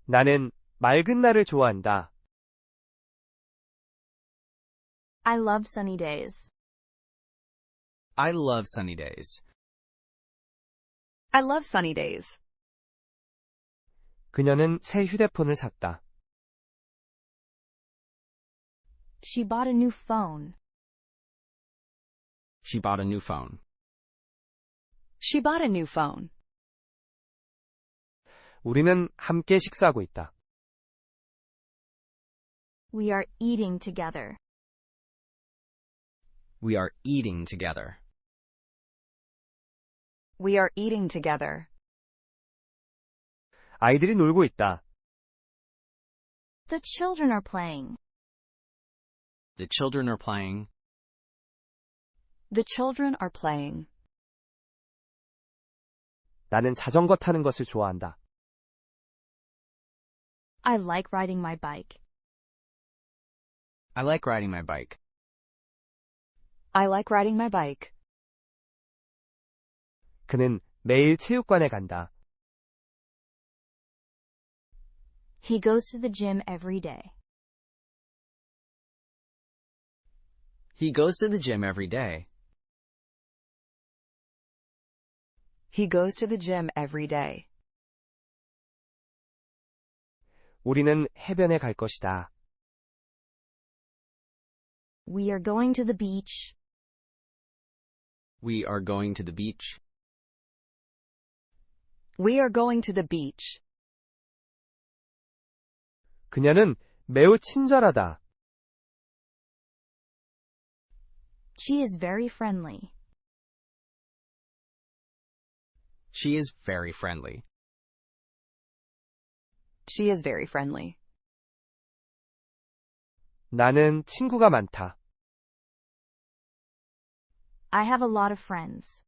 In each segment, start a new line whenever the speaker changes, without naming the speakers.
나는 맑은 날을 좋아한다.
I love sunny days.
I love sunny days.
I love sunny days.
그녀는 새 휴대폰을 샀다.
She bought a new phone.
She bought a new phone.
She bought a new phone.
우리는 함께 식사하고 있다.
We are eating together.
We are eating together.
We are eating together.
아이들이 놀고 있다.
The children are playing.
The children are playing.
The children are playing.
나는 자전거 타는 것을 좋아한다.
I like riding my bike.
I like riding my bike.
I like riding my bike.
그는 매일 체육관에 간다.
He goes to the gym every day.
He goes to the gym every day.
He goes to the gym every day.
우리는 해변에 갈 것이다.
We are going to the beach.
We are going to the beach.
We are going to the beach.
그녀는 매우 친절하다.
She is very friendly.
She is very friendly.
She is very friendly.
나는 친구가 많다.
I have a lot of friends.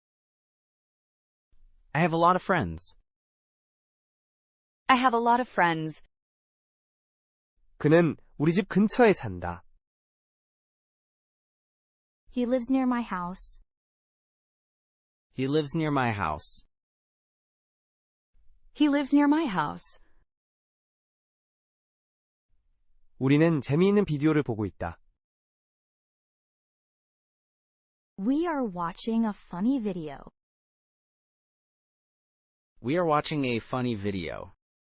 I have a lot of friends.
I have a lot of friends.
그는 우리 집 근처에 산다.
He lives near my house.
He lives near my house.
He lives near my house.
우리는 재미있는 비디오를 보고 있다.
We are watching a funny video.
We are watching a funny video.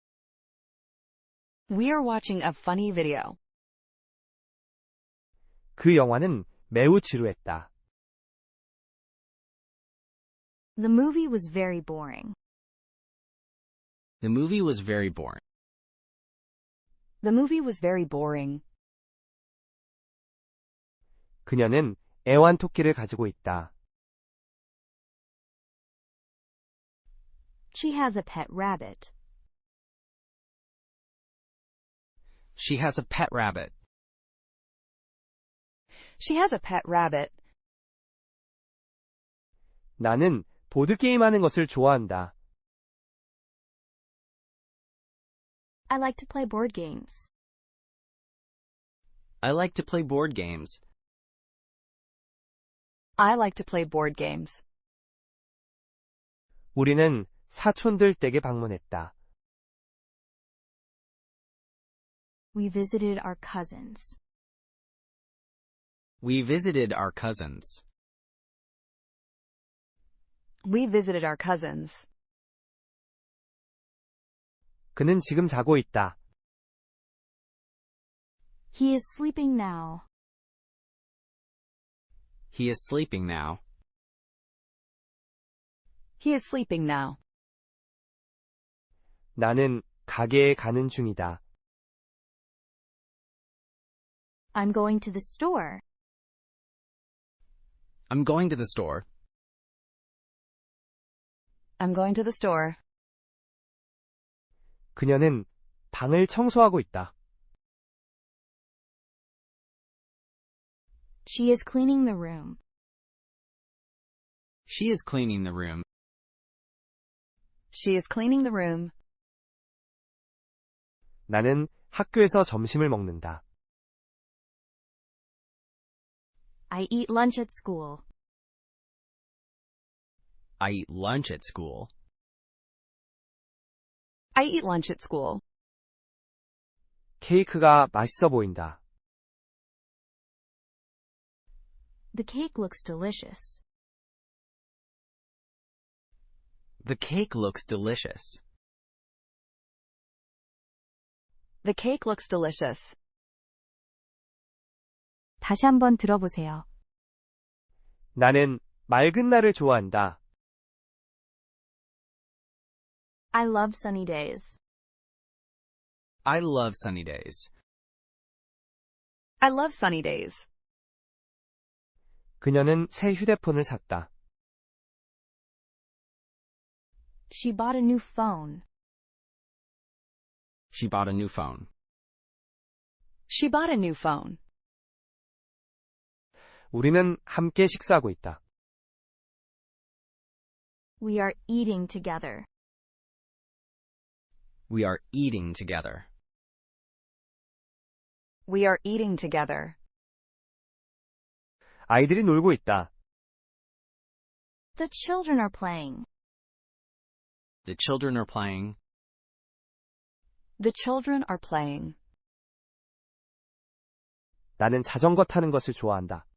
We are watching a funny video.
그 영화는 매우 지루했다.
The movie was very boring.
The movie was very boring.
The movie was very boring.
그녀는 애완토끼를 가지고 있다.
She has a pet rabbit.
She has a pet rabbit.
She has a pet rabbit.
나는 보드게임하는 것을 좋아한다.
I like to play board games.
I like to play board games.
I like to play board games.
우리는 사촌들 댁에 방문했다.
We visited our cousins.
We visited our cousins.
We visited our cousins.
그는 지금 자고 있다.
He is sleeping now.
He is sleeping now.
He is sleeping now.
나는 가게에 가는 중이다.
I'm going to the store.
I'm going to the store.
I'm going to the store.
그녀는 방을 청소하고 있다.
She is cleaning the room.
She is cleaning the room.
She is cleaning the room.
나는 학교에서 점심을 먹는다.
I eat lunch at school.
I eat lunch at school.
I eat lunch at school.
케이크가 맛있어 보인다.
The cake looks delicious.
The cake looks delicious.
The cake looks delicious.
다시 한번 들어보세요.
나는 맑은 날을 좋아한다.
I love sunny days.
I love sunny days.
I love sunny days.
그녀는 새 휴대폰을 샀다.
She bought a new phone.
She bought a new phone.
She bought a new phone.
우리는 함께 식사하고 있다.
We are eating together.
We are eating together.
We are eating together.
아이들이 놀고 있다.
The children are playing.
The children are playing.
The children are playing.
나는 자전거 타는 것을 좋아한다.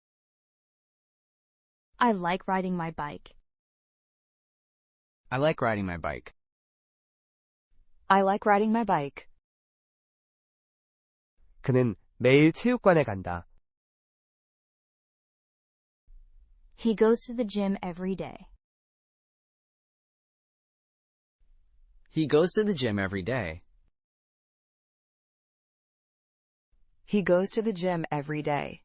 I like riding my bike.
I like riding my bike.
I like riding my bike.
그는 매일 체육관에 간다.
He goes to the gym every day.
He goes to the gym every day.
He goes to the gym every day.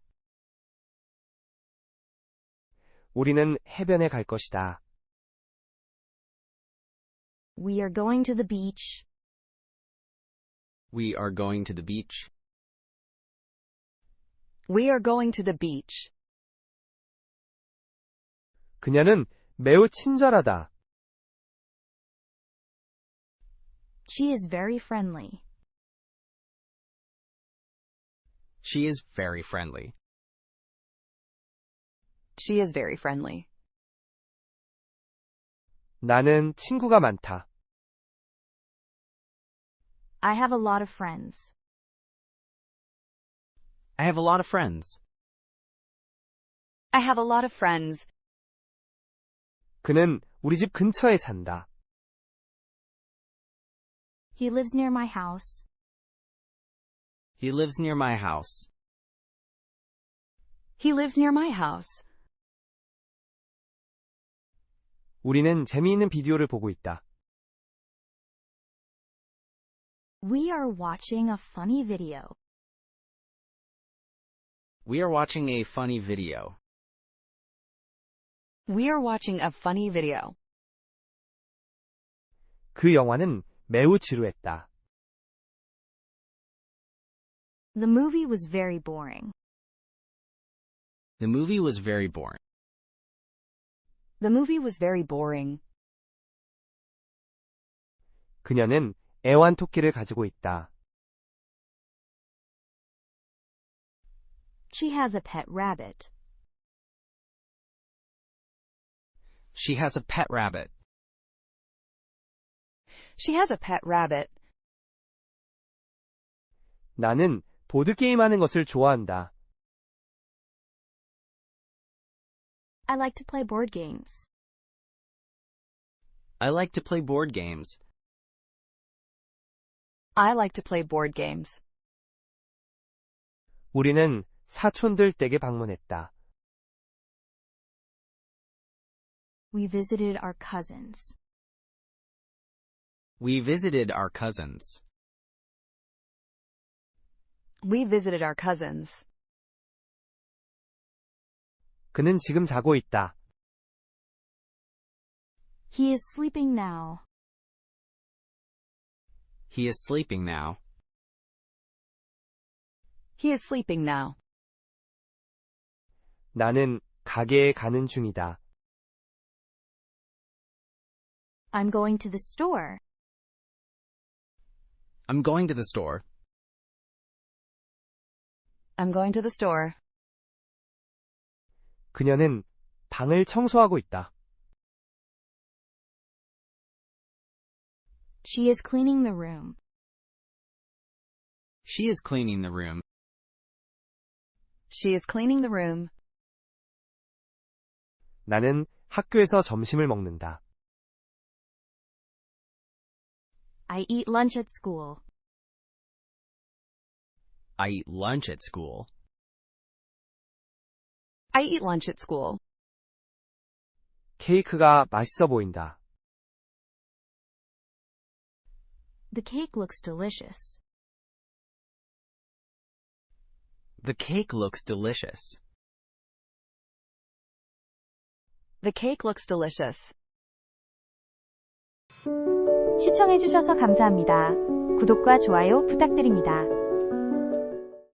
우리는 해변에 갈 것이다.
We are going to the beach.
We are going to the beach.
We are going to the beach.
그녀는 매우 친절하다.
She is very friendly.
She is very friendly.
She is very friendly.
나는 친구가 많다.
I have a lot of friends.
I have a lot of friends.
I have a lot of friends.
그는 우리 집 근처에 산다.
He lives near my house.
He lives near my house.
He lives near my house.
우리는 재미있는 비디오를 보고 있다.
We are watching a funny video.
We are watching a funny video.
We are watching a funny video.
그 영화는 매우 지루했다.
The movie was very boring.
The movie was very boring.
The movie was very boring.
그녀는 애완토끼를 가지고 있다.
She has a pet rabbit.
She has a pet rabbit.
She has a pet rabbit.
나는 보드게임 하는 것을 좋아한다.
I like to play board games.
I like to play board games.
I like to play board games.
우리는 사촌들 댁에 방문했다.
We visited our cousins.
We visited our cousins.
We visited our cousins.
그는 지금 자고 있다.
He is sleeping now.
He is sleeping now.
He is sleeping now.
나는 가게에 가는 중이다.
I'm going to the store.
I'm going to the store.
I'm going to the store.
그녀는 방을 청소하고 있다.
She is cleaning the room.
She is cleaning the room.
She is cleaning the room.
나는 학교에서 점심을 먹는다.
I eat lunch at school.
I eat lunch at school.
I eat lunch at school.
케이크가 맛있어 보인다.
The cake looks delicious.
The cake looks delicious.
The cake looks delicious.
시청해주셔서 감사합니다. 구독과 좋아요 부탁드립니다.